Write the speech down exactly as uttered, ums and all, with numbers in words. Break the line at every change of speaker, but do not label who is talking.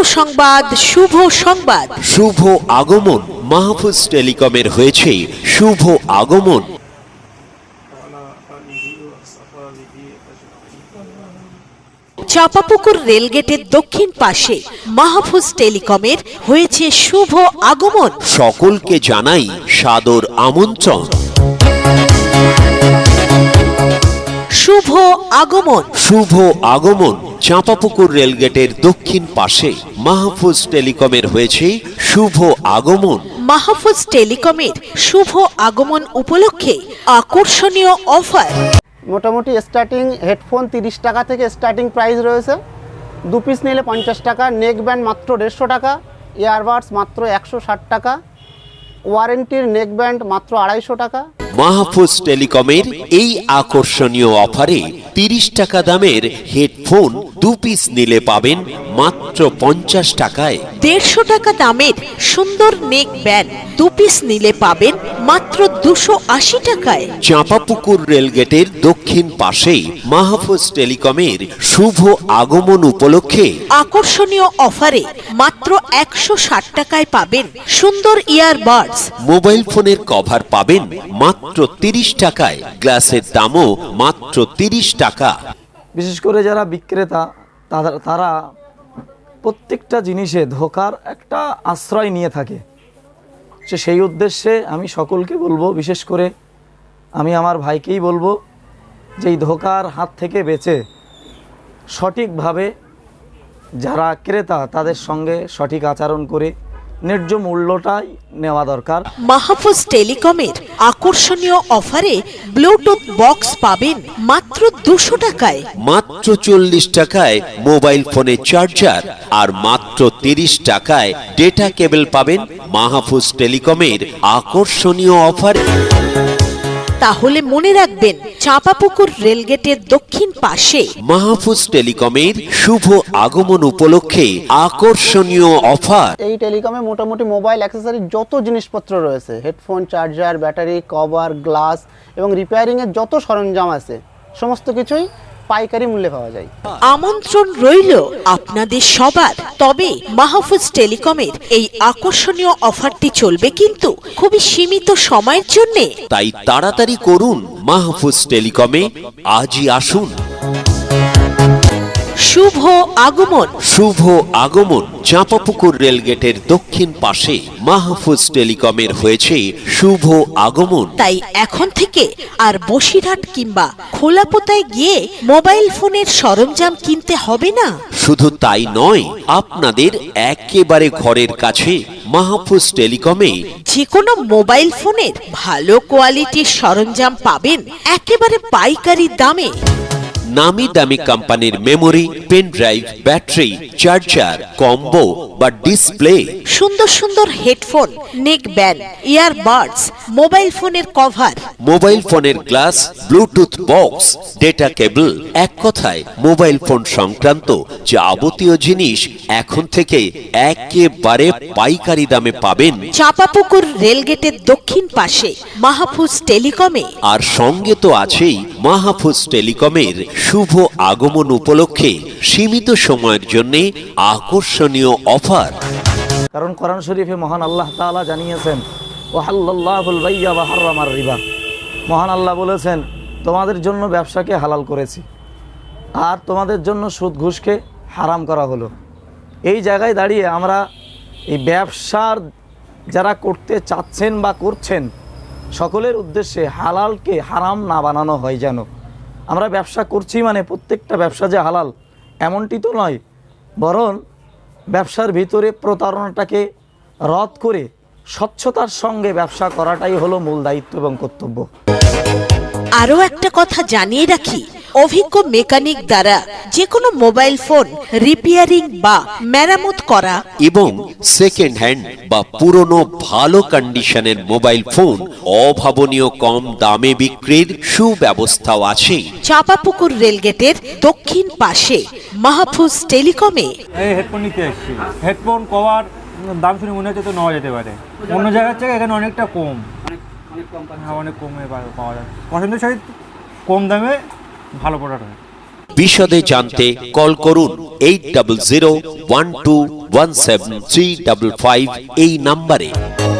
সংবাদ, শুভ সংবাদ।
শুভ আগমন, মাহফুজ টেলিকমের হয়েছে শুভ আগমন।
চাঁপাপুকুর রেলগেটের দক্ষিণ পাশে মাহফুজ টেলিকমের হয়েছে শুভ আগমন।
সকলকে জানাই সাদর আমন্ত্রণ।
শুভ আগমন,
শুভ আগমন। চাঁপাপুকুর রেলগেটের দক্ষিণ পাশে মাহফুজ টেলিকমের হয়েছে শুভ আগমন।
মাহফুজ টেলিকমের শুভ আগমন উপলক্ষে আকর্ষণীয় অফার।
মোটামুটি স্টার্টিং হেডফোন তিরিশ টাকা থেকে স্টার্টিং প্রাইস রয়েছে। দু পিস নিলে পঞ্চাশ টাকা, নেক ব্যান্ড মাত্র দেড়শো টাকা, ইয়ারবাডস মাত্র একশো ষাট টাকা, ওয়ারেন্টির নেক ব্যান্ড মাত্র আড়াইশো টাকা।
মাহফুজ টেলিকমের এই আকর্ষণীয় অফারে তিরিশ টাকা দামের হেডফোন দু পিস নিলে পাবেন মাত্র পঞ্চাশ টাকায়।
দেড়শো টাকা দামের সুন্দর নেক ব্যান্ড দু পিস নিলে পাবেন মাত্র দুশো আশি টাকায়।
চাঁপাপুকুর রেলগেটের দক্ষিণ পাশেই মাহফুজ টেলিকমের শুভ আগমন উপলক্ষে
আকর্ষণীয় অফারে মাত্র একশো ষাট টাকায় পাবেন সুন্দর ইয়ারবাডস।
মোবাইল ফোনের কভার পাবেন মাত্র তিরিশ টাকায়, গ্লাসের দামও মাত্র তিরিশ টাকা।
বিশেষ করে যারা বিক্রেতা তারা প্রত্যেকটা জিনিসে ধোকার একটা আশ্রয় নিয়ে থাকে। সে সেই উদ্দেশ্যে আমি সকলকে বলবো, বিশেষ করে আমি আমার ভাইকেই বলবো যে এই ধোকার হাত থেকে বেঁচে সঠিকভাবে যারা ক্রেতা তাদের সঙ্গে সঠিক আচরণ করে ন্যায্য মূল্যটাই নেওয়া দরকার।
মাহফুজ টেলিকমের আকর্ষণীয় অফারে ব্লুটুথ বক্স পাবেন মাত্র দুশো টাকায়।
মাত্র চল্লিশ টাকায় মোবাইল ফোনের চার্জার আর মাত্র তিরিশ টাকায় ডেটা কেবল পাবেন মাহফুজ টেলিকমের আকর্ষণীয় অফারে।
তাহলে মনে রাখবেন, চাঁপাপুকুর রেলগেটের দক্ষিণ পাশে
মাহফুজ টেলিকমের শুভ আগমন উপলক্ষে আকর্ষণীয় অফার।
এই টেলিকমে মোটামুটি মোবাইল অ্যাক্সেসরি যত জিনিসপত্র রয়েছে, headphone, charger, battery, cover, glass এবং রিপেয়ারিংয়ের যত সরঞ্জাম আছে সমস্ত কিছুই পাইকারি মূল্যে পাওয়া যায়।
আমন্ত্রণ রইল আপনাদের সবার। তবে মাহফুজ টেলিকমের এই আকর্ষণীয় অফারটি চলবে কিন্তু খুবই সীমিত সময়ের জন্য।
তাই তাড়াতাড়ি করুন, মাহফুজ টেলিকমে আজই আসুন।
শুভ আগমন,
শুভ আগমন। চাঁপাপুকুর রেলগেটের দক্ষিণ পাশে মাহফুজ টেলিকমের হয়েছে শুভ আগমন।
তাই এখন থেকে আর বসিরহাট কিংবা খোলাপোতায় গিয়ে মোবাইল ফোনের সরঞ্জাম কিনতে হবে না।
শুধু তাই নয়, আপনাদের একেবারে ঘরের কাছে মাহফুজ টেলিকমে
যে কোনো মোবাইল ফোনের ভালো কোয়ালিটির সরঞ্জাম পাবেন একেবারে পাইকারি দামে।
নামি দামি কোম্পানির memory, pen drive, battery, charger, combo বা ডিসপ্লে,
সুন্দর সুন্দর headphone, neck band, earbuds, mobile ফোনের কভার,
মোবাইল ফোনের glass, bluetooth box, data cable, এক কথায় মোবাইল ফোন সংক্রান্ত যাবতীয় জিনিস এখন থেকে একেবারে পাইকারি দামে পাবেন
চাঁপাপুকুর রেলগেটের দক্ষিণ পাশে মাহফুজ টেলিকমে।
আর সঙ্গে তো আছেই মাহফুজ টেলিকমের শুভ আগমন উপলক্ষে সীমিত সময়ের জন্য আকর্ষণীয় অফার।
কারণ কোরআন শরীফে মহান আল্লাহ তাআলা জানিয়েছেন, ওয়াহাল্লাল্লাহুল বাইয়া ওয়া হারামার রিবা। মহান আল্লাহ বলেছেন, তোমাদের জন্য ব্যবসাকে হালাল করেছি আর তোমাদের জন্য সুদ ঘুষকে হারাম করা হলো। এই জায়গায় দাঁড়িয়ে আমরা এই ব্যবসার যারা করতে চাচ্ছেন বা করছেন সকলের উদ্দেশ্যে হালালকে হারাম না বানানো হয়। যেন আমরা ব্যবসা করছি মানে প্রত্যেকটা ব্যবসা যে হালাল এমনটি তো নয়, বরং ব্যবসার ভিতরে প্রতারণাটাকে রদ করে স্বচ্ছতার সঙ্গে ব্যবসা করাটাই হলো মূল দায়িত্ব এবং কর্তব্য।
আরও একটা কথা জানিয়ে রাখি, অভিজ্ঞ মেকানিক দ্বারা যে কোনো মোবাইল ফোন রিপেয়ারিং বা মেরামত করা
এবং সেকেন্ড হ্যান্ড বা পুরনো ভালো কন্ডিশনের মোবাইল ফোন অভাবনীয় কম দামে বিক্রির সুব্যবস্থাও আছে
চাঁপাপুকুর রেলগেটের দক্ষিণ পাশে মাহফুজ টেলিকমে।
এই হেডফোন নিতে এসেছি, হেডফোন কভার দাম শুনে মনে হচ্ছে তো নেওয়া যেতে পারে, অন্য জায়গার থেকে এখানে অনেকটা কম, হ্যাঁ অনেক কমে পাওয়া যায়, পছন্দের সহিত কম দামে ভালো প্রোডাক্ট হয়।
বিশদে জানতে কল করুন eight double zero one two one seven three double five এই নাম্বারে।